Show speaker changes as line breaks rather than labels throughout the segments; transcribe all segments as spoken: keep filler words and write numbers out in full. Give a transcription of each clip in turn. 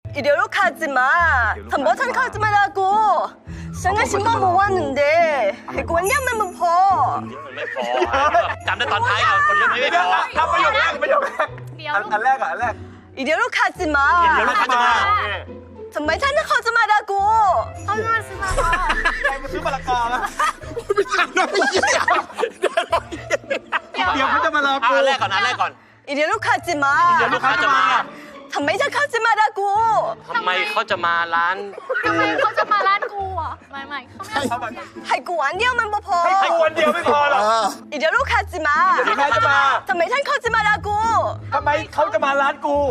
이대로 가지 마. 다 못한 가지 말라고. 생각 신발 못 왔는데. 이거 왜냐면 뭐
ไม่พอจำได้ตอนท้ายอ่ะคนเยอะไม่พอ
ทำประโยคแรกประโยคแรก
เดี๋ยว
อัน
ลูก
อันแรกอ่ะอันแรก
이대로 가지
เดี๋ยว
마.
ลูกค้าจะมา
정말 타는 가지 말라고.
เขามาซื้อมา
ใครมาซื้อมะละกอนะ
ไม่ถามน้อยเหี้ย
เดี๋ยว
เดี๋ยวเขาจะมาลา
เอา
กู
อันแรกก่อนอันแรกก่อน
이대로 가지 마.
เดี๋ยวลูกค้าจะมา
정말 타 가지 말라고.
ทำไมเขาจะมาร้าน
ทำไมเขาจะมาร้านกูอ่ะไม่ไม่เขาไม่
하이고 안되면 뭐
ให้กู
봐.
วันเดียวไม่พอหรอก
เออ
이대로 가지 마.
เดี๋ยวใครจะมา
정말 탄 가지 말라고.
ทำไมเขาจะมาร้านกู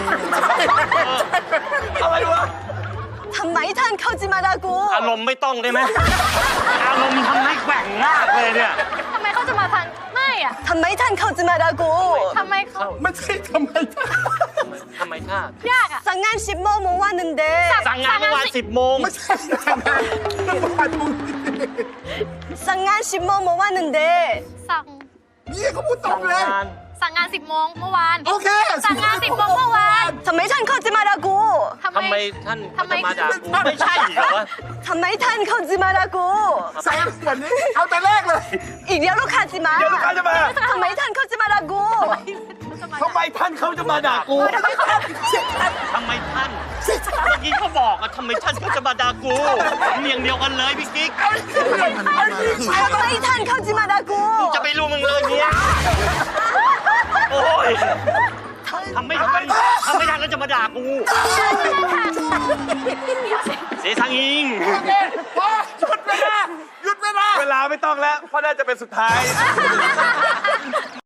อะไรวะ
정말 탄 가지 말라고.
อารมณ์ไม่ต้องได้ไหมอารมณ์ทำให้แกว่งมากเลยเนี่ย
ทำไมเขาจะมาทางไม่อ่ะ
정말 탄 가지 말라고.
ทำไมเขา
ไม่ใช่ทำไมท่าน
ทำไมท่าย
ากอ่ะ
상한 십모 못 왔는데.
สั่งงานเมื่อวานสิบโมง
ไม่ใช่ทำไมนั่นผ่านมึง
상한 십모 못 왔는데.
สั่ง
นี่เขาพูดตรงเลย
งาน
สั่งงานสิบโมงเมื่อวาน
โอเค
สั่งงานสิบโมงเมื่อวาน
정말 탄 가지 말라고.
ทำไม
ทำไมท่าน
ทำไม
จะมาด่ากูไม่ใช่เหรอวะ
정말 탄 가지 말라고.
แซงวันนี้เอาแต่แรกเลย
이대로 가지 마.
เดี๋ยวลูกค้าจะมา
정말 탄 가지 말라고.
ทำไมท่านเขาจะมาด่ากู
ทำไมท่านเมื่อกี้เขาบอกอะทำไมท่านเขาจะมาด่ากูเมียงเดียวกันเลยพี่กิ๊ก
정말 탄 가지 말라고.
จะไปรู้มึงเลยเนี่ยโอ้ยทำไม่ทันทำไม่ทันแล้วจะมาด่ากูเสียทางอิง
โอเคพอหยุดเวลาหยุดเวลา
เวลาไม่ต้องแล้ว เพราะน่าจะเป็นสุดท้าย